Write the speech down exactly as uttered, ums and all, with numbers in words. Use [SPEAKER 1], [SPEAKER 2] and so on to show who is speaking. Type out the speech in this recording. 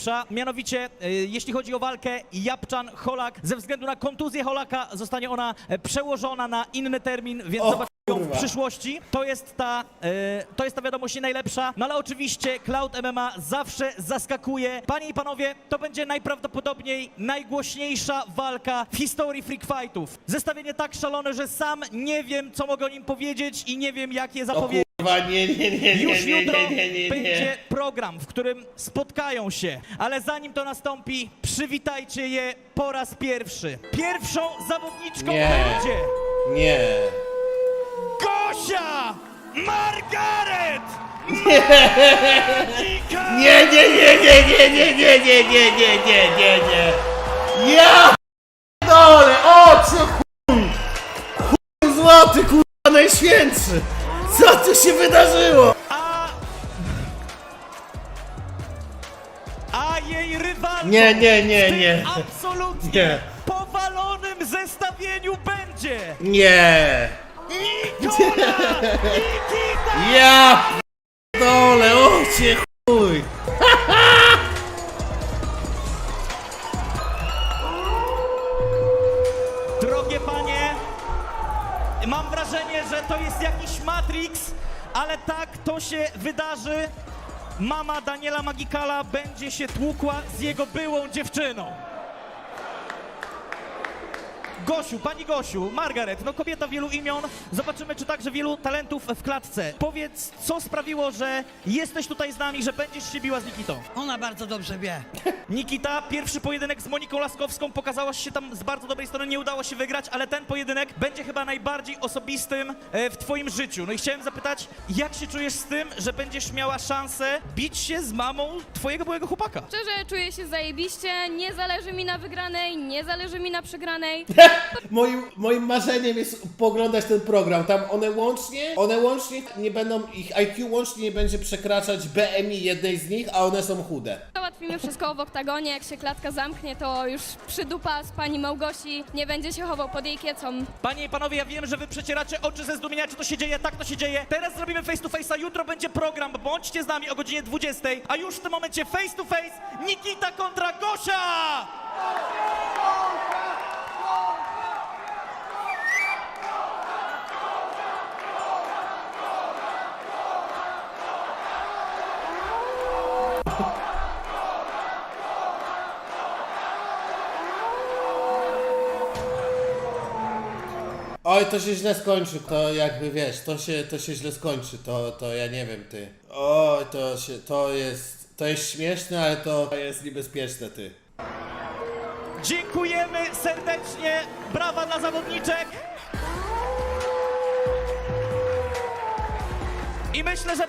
[SPEAKER 1] Mianowicie, e, jeśli chodzi o walkę Japczan-Holak, ze względu na kontuzję Holaka zostanie ona e, przełożona na inny termin, więc
[SPEAKER 2] O,
[SPEAKER 1] zobaczymy ją w
[SPEAKER 2] kurwa.
[SPEAKER 1] przyszłości. To jest ta, e, to jest ta wiadomość nie najlepsza, no ale oczywiście Cloud M M A zawsze zaskakuje. Panie i panowie, to będzie najprawdopodobniej najgłośniejsza walka w historii freak fightów. Zestawienie tak szalone, że sam nie wiem, co mogę o nim powiedzieć i nie wiem, jak je
[SPEAKER 2] O
[SPEAKER 1] zapowiedzieć.
[SPEAKER 2] kurwa, nie, nie, nie, nie,
[SPEAKER 1] Już
[SPEAKER 2] nie,
[SPEAKER 1] jutro
[SPEAKER 2] nie, nie, nie,
[SPEAKER 1] będzie
[SPEAKER 2] nie.
[SPEAKER 1] program, w którym spotkają się, ale zanim to nastąpi, przywitajcie je po raz pierwszy. Pierwszą zawodniczką
[SPEAKER 2] Nie.
[SPEAKER 1] będzie
[SPEAKER 2] Nie.
[SPEAKER 1] Gosia Margaret!
[SPEAKER 2] Nie, nie, nie, nie, nie, nie, nie, nie, nie, nie, nie, nie, nie. Ja dole, oczy, chuj! Chuj złoty, kurwa, najświętszy! Co tu się wydarzyło?
[SPEAKER 1] A... A jej rywalką
[SPEAKER 2] Nie, nie, nie,
[SPEAKER 1] w tym
[SPEAKER 2] nie.
[SPEAKER 1] absolutnie
[SPEAKER 2] Nie.
[SPEAKER 1] powalonym zestawieniu będzie
[SPEAKER 2] Nie.
[SPEAKER 1] Nikola Nikita!
[SPEAKER 2] Ja dole, ocie, chuj!
[SPEAKER 1] Drogie panie, mam wrażenie, że to jest jakiś Matrix, ale tak to się wydarzy. Mama Daniela Magikala będzie się tłukła z jego byłą dziewczyną. Gosiu, pani Gosiu, Margaret, no kobieta wielu imion, zobaczymy, czy także wielu talentów w klatce. Powiedz, co sprawiło, że jesteś tutaj z nami, że będziesz się biła z Nikitą?
[SPEAKER 3] Ona bardzo dobrze wie.
[SPEAKER 1] Nikita, pierwszy pojedynek z Moniką Laskowską, pokazałaś się tam z bardzo dobrej strony, nie udało się wygrać, ale ten pojedynek będzie chyba najbardziej osobistym e, w twoim życiu. No i chciałem zapytać, jak się czujesz z tym, że będziesz miała szansę bić się z mamą twojego byłego chłopaka?
[SPEAKER 4] Szczerze czuję się zajebiście, nie zależy mi na wygranej, nie zależy mi na przegranej.
[SPEAKER 2] Moim, moim marzeniem jest pooglądać ten program. Tam one łącznie, one łącznie nie będą, ich I Q łącznie nie będzie przekraczać B M I jednej z nich, a one są chude.
[SPEAKER 4] Załatwimy wszystko w oktagonie, jak się klatka zamknie, to już przydupa z pani Małgosi, nie będzie się chował pod jej kiecą.
[SPEAKER 1] Panie i panowie, ja wiem, że wy przecieracie oczy ze zdumienia, czy to się dzieje, tak to się dzieje. Teraz zrobimy face to face, a jutro będzie program, bądźcie z nami o godzinie dwudziestej, a już w tym momencie face to face Nikita kontra Gosia!
[SPEAKER 2] Oj, to się źle skończy, to jakby wiesz, to się, to się źle skończy, to, to ja nie wiem, ty. Oj, to się, to jest, to jest śmieszne, ale to jest niebezpieczne, ty.
[SPEAKER 1] Dziękujemy serdecznie, brawa dla zawodniczek. I myślę, że